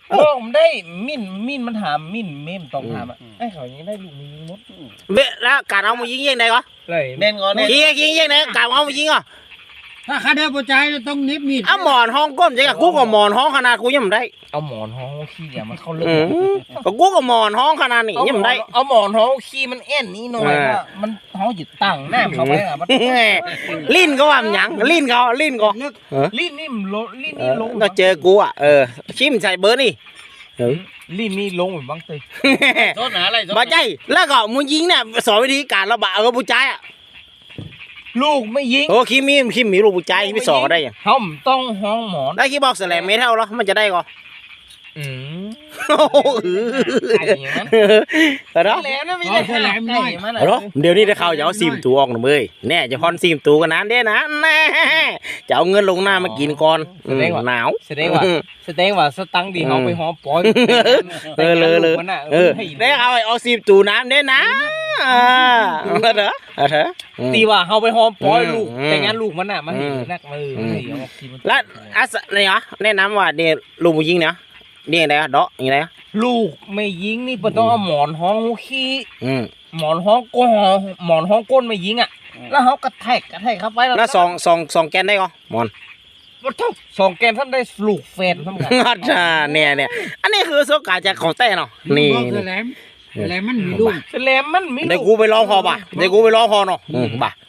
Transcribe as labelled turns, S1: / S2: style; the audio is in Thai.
S1: ผมได้มิ่นมันถามมิ่นเมมต้องถามอ่ะไอ้เขายังได้ลูกมีมด
S2: เวแล้วการเอามายิงยังไงก็
S1: เลยเน่นก่อนเน่น
S2: ยิงยังไงการเอามายิงอ่ะ
S3: ถ้าข้าได้ผู้ชายต้องนิบมีด
S2: เอาหมอนห้องก้มใช่กับกูกับหมอนห้องขนาดกูยังไม่ได้
S1: เอาหมอนห้องขี้อย่ามันเข้าเลือด
S2: ก็กูกับหมอนห้องขนาดนี้ยังไม่ได้
S1: เอาหมอนห้องขี้มันเอ็นนี่หน่อยว่ามันห้องหยุดตั้งหน้าเขาไปอ่ะมัน
S2: ลิ้นก็ว่ามันหยังลิ้นก็
S1: ลิ้นนี่มันลงลิ้นนี่ลง
S2: ก็เจอกูอ่ะชิมใส่เบอร์นี่
S1: ลิ้นนี่ลงเหมือนบางตีโทษนะอะไร
S2: บ่ใจแล้วก็มึงยิงเนี่ยสอนวิธีการระบาดกับผู้ชายอ่ะ
S1: ลูกไม่ยิง
S2: โอ้คิมมีลูกผู้ชายพี่สอนได้ยัง
S1: เขาต้องห้องหมอน
S2: ได้คิดบอกแสลมเมทัลเหรอมันจะได้ก็ โอ้เหรอ
S1: แล้วนะไม่ได้แหลมน้อยมัน
S2: เหรอเดี๋ยวนี้ได้ข่าวจะเอาซิมตัวออกหน่อยเว้ยแน่จะพอนซิมตัวกันนั้นเด้นะแน่จะเอาเงินลงหน้ามากินก่อนหนาว
S1: แสดงว่าสตังค์ดีเขาไปหอปอย
S2: เลยได้เอาซิมตัวน้ำเด้นะเหรอ
S1: ตีว่าเขาไปหอมปอยลูกแต่งานลูกมันอ่ะมันเห็นนักมือ
S2: แล้วอะไรเหรอแนะนำว่าเนี่ยลูกผู้หญิงเนี่ยนี่อะไรอะเดาะอย่างไร
S1: ลูกไม่ยิงนี่ต้องเอาหมอนห้องขี้หมอนห้องก้นไม่ยิงอ่ะแล้วเขากระแทกเข้าไป
S2: แล้วสองแกนได้ก็หมอน
S1: ว่าทุกสองแกนท่านได้ลูกแฟนทั้งหมด
S2: เนี่ยอันนี้คือโซกาจากของแต่เนาะนี่
S3: แหลมมันมีลูก
S1: แสลมมันมี
S2: เดี๋ยวกูไปร้องพอป่ะเดี๋ยวกูไปร้องพอเนาะป่ะ